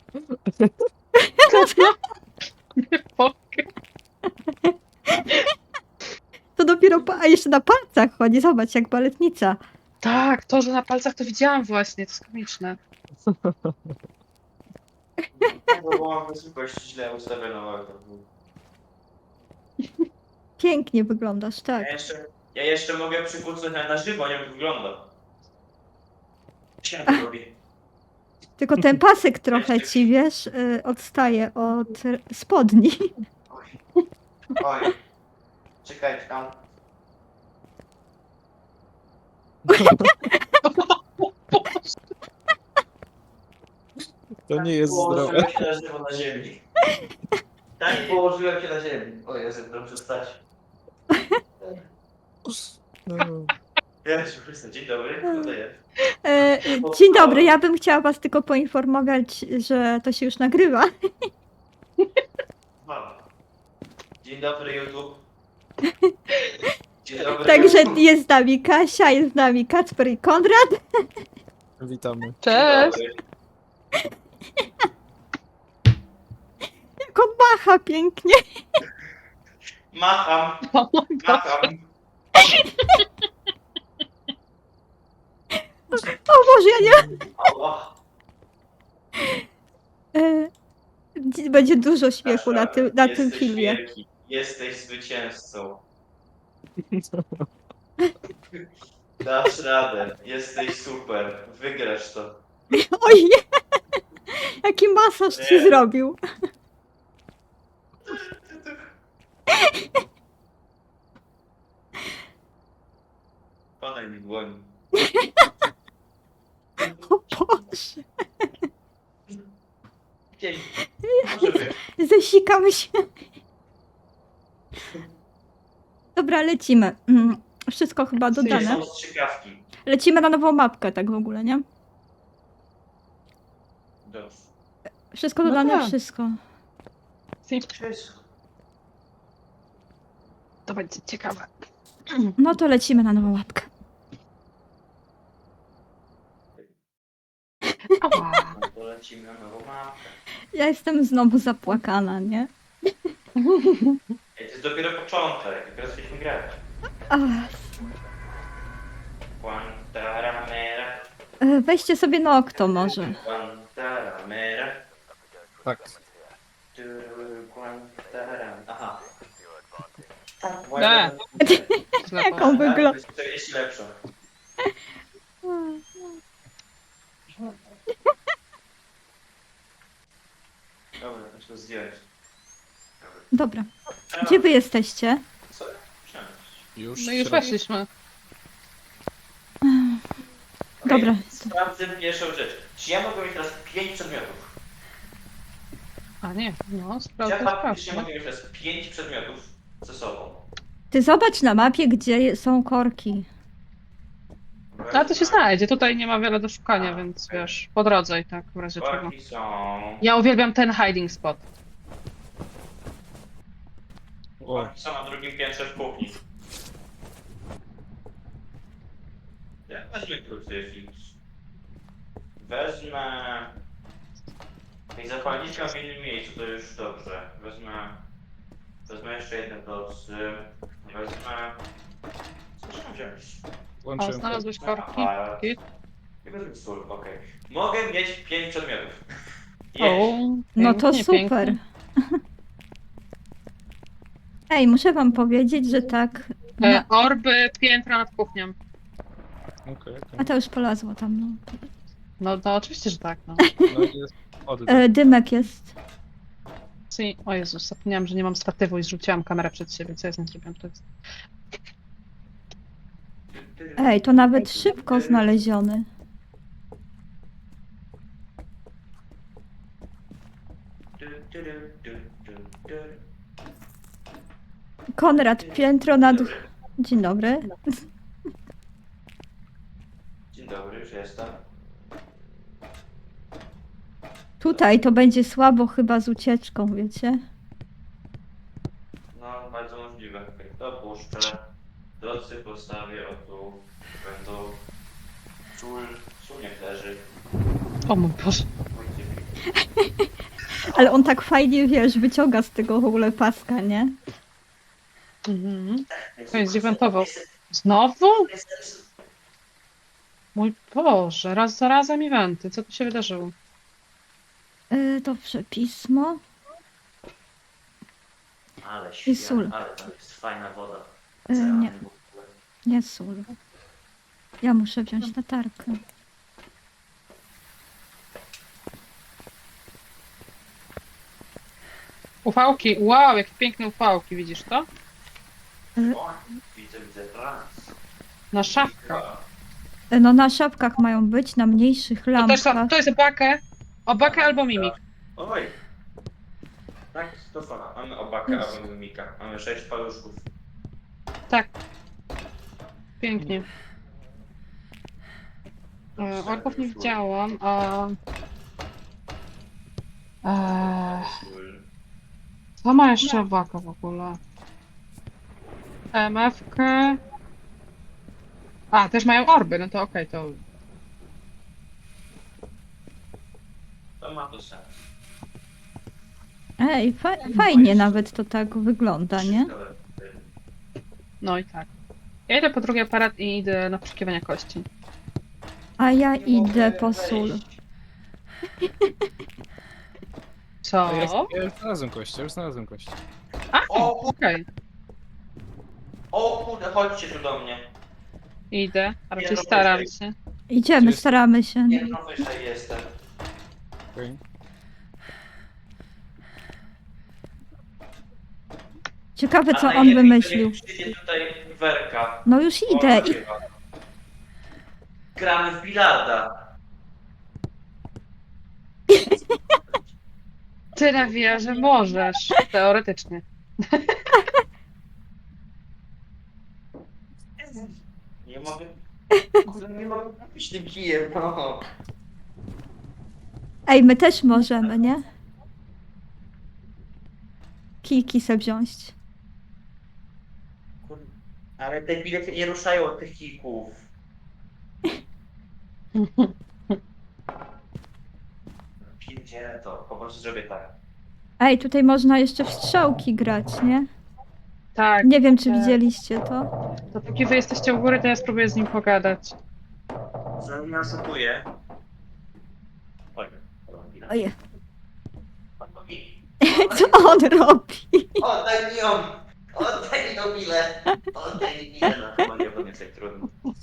Nie mogę. To dopiero, a jeszcze na palcach chodzi, zobacz, jak baletnica. Tak, to, że na palcach to widziałam właśnie, to jest komiczne. No bo mam wysokość źle ustawioną. Pięknie wyglądasz, tak. Ja jeszcze mogę przykucnąć na żywo, nie wiem jak wygląda. Siadaj robię. Tylko ten pasek trochę ci, wiesz, odstaje od spodni. Oj. Czekajcie tam. To nie jest zdrowe. Położyłem się na żywo na ziemi. Tak położyłem się na ziemi. O Jezu, dobrze stać. Jezu, dzień dobry, kto to jest? Dzień dobry, ja bym chciała was tylko poinformować, że to się już nagrywa. Mama. Dzień dobry YouTube. Dzień dobry Także YouTube. jest z nami Kasia, jest z nami Kacper i Konrad. Witamy. Dzień Cześć! dobry. Jak on macha pięknie. Macham, O mój Boże. macham. O Boże, ja nie... Ała. Będzie dużo śmiechu na tym Jesteś filmie. wielki. Jesteś zwycięzcą. Dasz radę. Jesteś super. Wygrasz to. Oj, nie. Jaki masaż ci Nie. zrobił. Podaj mi dłoń. O Boże, Dzień. Może być. zesikamy się. Dobra, lecimy. Wszystko chyba Gdzie dodane. są strzykawki? Lecimy na nową mapkę, tak w ogóle, nie? Dobrze. Wszystko No dodane, tak. wszystko. To będzie ciekawe. No to lecimy na nową mapkę. Ała. No to lecimy na nową mapkę. Ja jestem znowu zapłakana, nie? Ej, to jest dopiero początek. Dopiero zaczęliśmy grać. Ach, Guantanamera. weźcie sobie Nocto może. Guantanamera. Tak. Aha. Nie. Jak on wygląda. To jest lepsze. Dobra, to trzeba zdjąć. Dobra. Gdzie wy jesteście? Co? Wsiąść. Już. No już środek. weszliśmy. Dobra. Sprawdzę pierwszą rzecz. Czy ja mogę mieć teraz 5 przedmiotów? A nie, no Czy sprawdzę, ja faktycznie sprawdzę. mogę mieć teraz 5 przedmiotów ze sobą? Ty zobacz na mapie, gdzie są korki. Ale to się znajdzie, tutaj nie ma wiele do szukania, więc wiesz, po drodze i tak w razie czego. Korki są... Ja uwielbiam ten hiding spot. O, Korki są na drugim piętrze w kuchni. Ja wezmę krucyfiks. Wezmę... I zapalniczka w innym miejscu, to już dobrze. Wezmę jeszcze jedne docy. Wezmę... Co trzeba wziąć? O, włączyłem. znalazłeś korki? Aparat. Git. I wezmę sól, okej. Mogę mieć 5 przedmiotów. O, No to pięknie, super. pięknie. Ej, muszę wam powiedzieć, że tak... Na... Orby piętra nad kuchnią. Okej, A okej. to już polazło tam, no. No oczywiście, że tak, no. No i jest oddech. Dymek jest. O Jezus, zapomniałam, że nie mam statywu i zrzuciłam kamerę przed siebie, co ja z nim zrobiłam? To jest... Ej, to nawet szybko znaleziony. Konrad, piętro nad... Dzień dobry. Dzień dobry, już jestem. Tutaj to będzie słabo chyba z ucieczką, wiecie? No, bardzo możliwe. Dopuszczę. Docy postawię o tu. Będą... Sól niech leży. O mój Boże. Ale on tak fajnie, wiesz, wyciąga z tego w ogóle paska, nie? Mhm. To jest zdewentował. Znowu? Mój Boże, raz za razem eventy. Co tu się wydarzyło? Dobrze, pismo. Ale I sól. świetnie, ale tam jest fajna woda. Nie, nie sól. Ja muszę wziąć latarkę. Ufałki, wow, jakie piękne ufałki, widzisz to? O, widzę raz. Na szafkach. No na szapkach mają być, na mniejszych To, też, lampkach. to jest obakę albo mimik. Oj. Tak, to co? Mamy obakę albo mimika. Mamy 6 paluszków. Tak. Pięknie. Orków nie widziałam, a... Co ma jeszcze obaka w ogóle? MF-kę... A, też mają orby, no to okej, to... To ma to sens. Ej, fajnie nawet to tak wygląda, nie? No i tak. Ja idę po drugi aparat i idę na poszukiwania kości. A ja idę po sól. Co? Ja już znalazłem kość, A, O, okej. O kurde, chodźcie tu do mnie. Idę, a raczej Nie, no staram wyżej. się. Idziemy, staramy się. Jedno wyżej jestem. Okej. Ciekawe, co A on najlepiej wymyślił. niech przyjdzie tutaj Werka. No już idę. Ona nagrywa. Gramy w bilarda. Ty nawijasz, że możesz. Teoretycznie. Nie mogę. Kurde, nie mogę kupić tym kijem, no. Ej, my też możemy, nie? Kijki se wziąć. Kurde, ale te bilety nie ruszają od tych kijków. Pierdzielę to, po prostu zrobię tak. Ej, tutaj można jeszcze w strzałki grać, nie? Tak. Nie wiem, czy tak. widzieliście to. Dopóki wy jesteście u góry, to ja spróbuję z nim pogadać. Zanasukuję. Oj, Ojej. Co on robi? Oddaj mi ją! Oddaj mi ją bilę! Oddaj mi bilę! No chyba nie będzie tak trudno.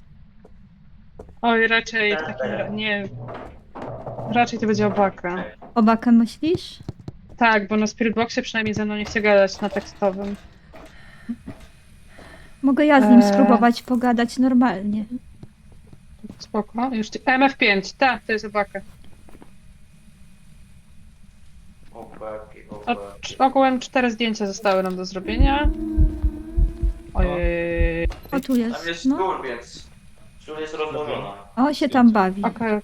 Oj, raczej w takim nie. Raczej to będzie obaka. Obakę myślisz? Tak, bo na Spirit Boxie przynajmniej ze mną nie chce gadać na tekstowym. Mogę ja z nim Eee. spróbować pogadać normalnie. Spoko. Już MF5, tak, to jest obaka. Obaki, O, obaki. ogółem 4 zdjęcia zostały nam do zrobienia. Ojej. O, tu jest. Tam jest No. stół, więc stół jest rozłożona. O, się tam bawi. Okej.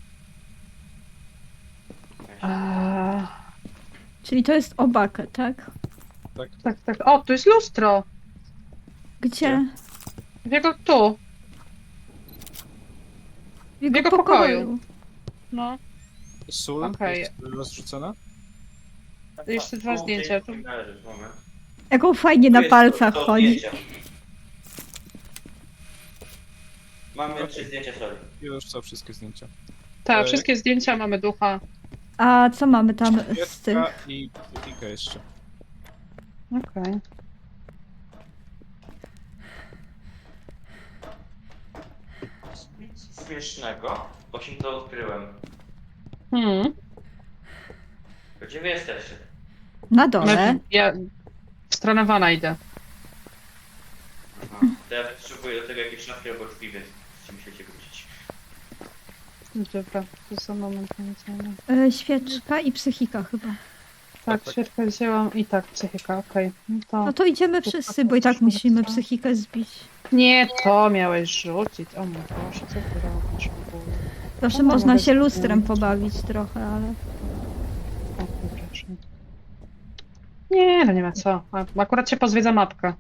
Czyli to jest obaka, tak? Tak, tak. O, tu jest lustro. Gdzie? W jego tu. W jego jego pokoju. No. Sól Okej. jest rozrzucona? Jeszcze 2 zdjęcia. Tu. Moment. Jak on fajnie Tu na jest palcach to chodzi. zdjęcie. Mamy 3 zdjęcia soli. Już są wszystkie zdjęcia. Tak, wszystkie zdjęcia mamy ducha. A co mamy tam z tych? Świeczka i kilka jeszcze. Okej. Nic śmiesznego, bo się to odkryłem. Gdzie wy jesteście? Na dole. Ja w stronę wana idę. Aha. To ja potrzebuję do tego jakieś szafki albo drzwi, więc musicie wrócić. Dobra, to za moment będziemy. Świeczka i psychika chyba. Tak, świeczkę wzięłam i tak, psychika, okej. No to idziemy wszyscy, bo i tak musimy psychikę zbić. Nie, to miałeś rzucić. O mój Boże, co ty robisz w ogóle? Proszę, No, można mogę się spróbować. lustrem pobawić trochę, ale... O, przepraszam. Nie, no nie ma co. Akurat się pozwiedza mapka.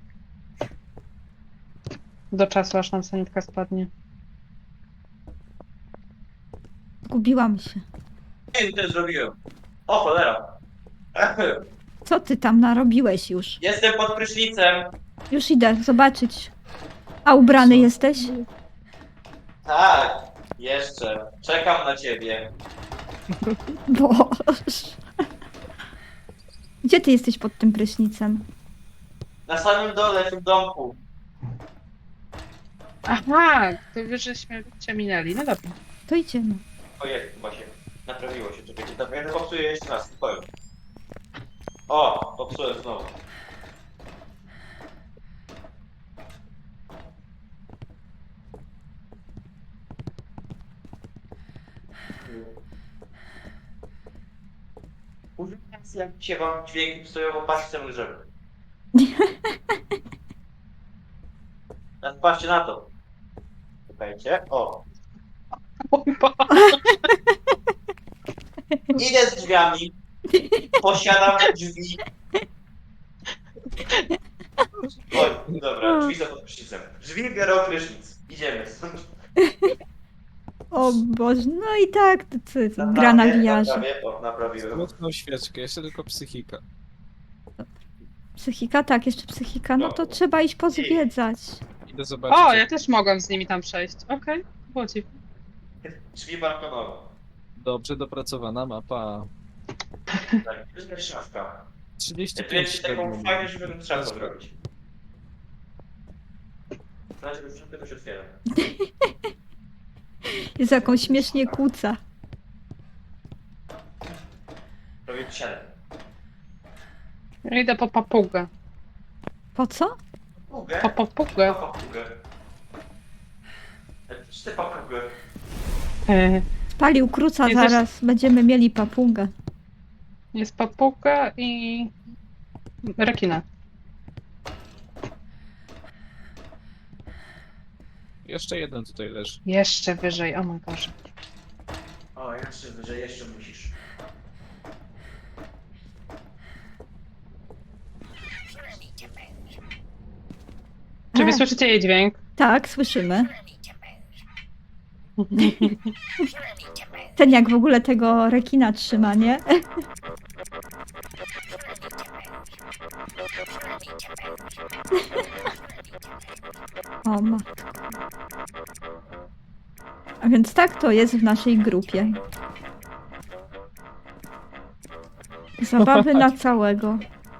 Do czasu, aż nam sanitka spadnie. Zgubiłam się. Nie, to zrobiłem. O cholera! Co ty tam narobiłeś już? Jestem pod prysznicem. Już idę zobaczyć. A ubrany Co? jesteś? Tak, jeszcze. Czekam na ciebie. Boże. Gdzie ty jesteś pod tym prysznicem? Na samym dole w tym domku. Aha, to wy żeśmy cię minęli. No dobra. To idziemy. Ojej, chyba się naprawiło się. Czekajcie, dobra, ja to popsuję jeszcze raz, spokojnie. O, popsułem znowu. Używam jak dzisiaj wam dźwięki psują, bo patrzcie na drzewo. Teraz patrzcie na to. Czekajcie, o. Idę z drzwiami. Posiadam drzwi. Oj, dobra, drzwi są pod prysznicem. Drzwi biorą prysznic. Idziemy. O Boże, no i tak, to gra na wiarze. O, naprawiłem. Smutną świeczkę, jeszcze tylko psychika. Psychika, tak, jeszcze psychika, no to trzeba iść pozwiedzać. Idę zobaczyć. O, jak- ja też mogłam z nimi tam przejść. Okej, było ci. Drzwi balkonowe. Dobrze dopracowana mapa. Tak, to jest szafka. Ja tu 35 jest taką średnio. fajną, żeby trzeba zrobić. Znaczy, że szafkę to się otwiera. Jest jakąś śmiesznie kłóca. Robię 7. Ja idę po papugę. Po co? Papugę? Po papugę. Papugę. Czy ty papugę? Spalił kruca, Nie, też- zaraz będziemy mieli papugę. Jest papuga i rekina. Jeszcze jeden tutaj leży. Jeszcze wyżej, o mój Boże. O, jeszcze wyżej, jeszcze musisz. Czy wy E. słyszycie jej dźwięk? Tak, słyszymy. Ten jak w ogóle tego rekina trzyma, nie? O ma. A więc tak to jest w naszej grupie. Zabawy na całego.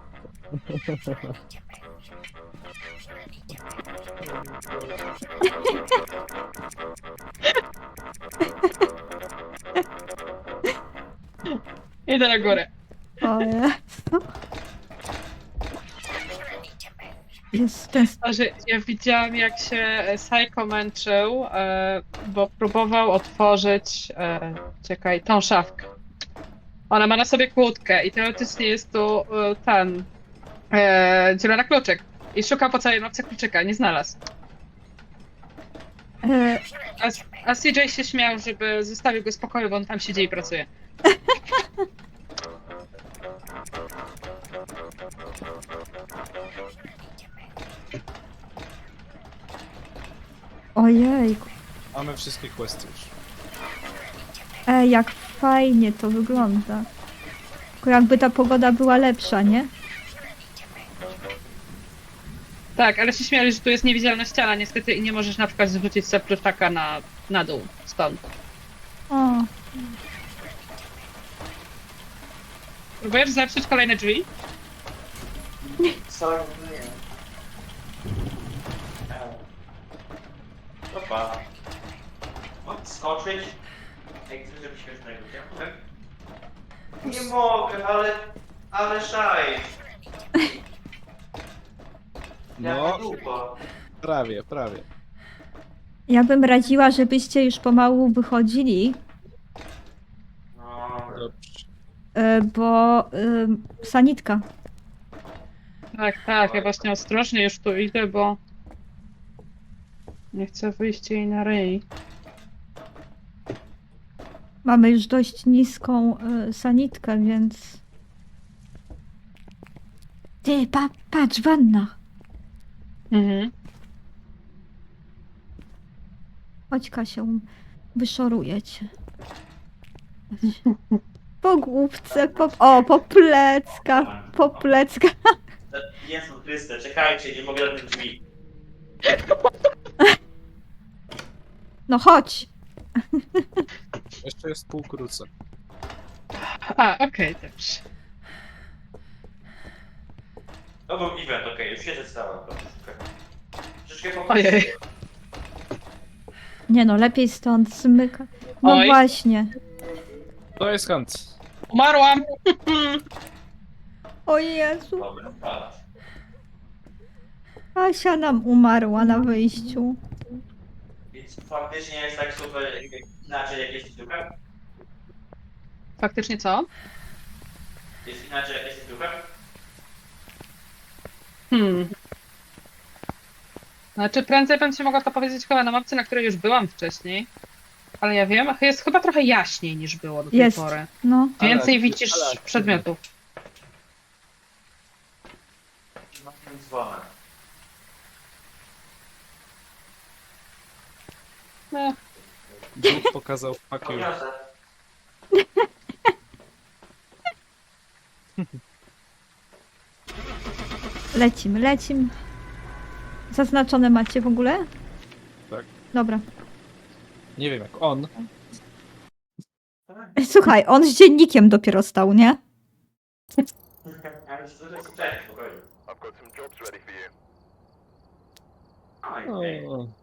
Idę na górę. O Jezu. Jest ten... A że ja widziałam, jak się Psycho męczył, bo próbował otworzyć, czekaj, tą szafkę. Ona ma na sobie kłódkę i teoretycznie jest tu ten zielony kluczyk. I szukał po całej mapce kluczyka, nie znalazł. E, A CJ się śmiał, żeby zostawił go w spokoju, bo on tam siedzi i pracuje. ojejku. Mamy wszystkie questy już. Jak fajnie to wygląda. Tylko jakby ta pogoda była lepsza, nie? Tak, ale się śmiali, że tu jest niewidzialna ściana niestety i nie możesz na przykład zwrócić sobie pluszaka na dół stąd. O, Próbujesz zepsuć kolejne drzwi? Co? Nie. Opa. Odskoczyć? Jak chcesz, żeby śmiesznego cię? Nie mogę, ale szaj. No, Jaka dupa. prawie, prawie. ja bym radziła, żebyście już pomału wychodzili, No, Dobrze. bo sanitka. Tak, ja właśnie ostrożnie już tu idę, bo nie chcę wyjść jej na ryj. Mamy już dość niską sanitkę, więc... Ty, patrz, wanna. Mhm. Chodź, Kasia, wyszoruję cię. Po główce, po pleckach, po pleckach. Jezu Chryste, czekajcie, nie mogę do tych drzwi. No chodź. Jeszcze jest pół kruca. A, okej, dobrze. To był event, okej, już się zestałem. Troszeczkę po Ojej. Nie no, lepiej stąd zmyka. No Oj. właśnie. To jest hunt. Umarłam! O Jezu, Dobra, wpadać. Asia nam umarła na wyjściu. Więc faktycznie jest tak super inaczej jak jest duchem? Faktycznie co? Jest inaczej jak jest duchem? Znaczy, prędzej bym ci mogła to powiedzieć chyba na mapce, na której już byłam wcześniej. Ale ja wiem, jest chyba trochę jaśniej niż było do tej Jest. pory. No. Więcej Ale- widzisz ale- przedmiotów. No tym dzwonem. No, Bóg pokazał fuck you. Poniosę. Lecimy, lecimy. Zaznaczone macie w ogóle? Tak. Dobra. Nie wiem jak on. Słuchaj, on z dziennikiem dopiero stał, nie? Ale to jest spokojnie. I've got some jobs ready for you. Oj, O,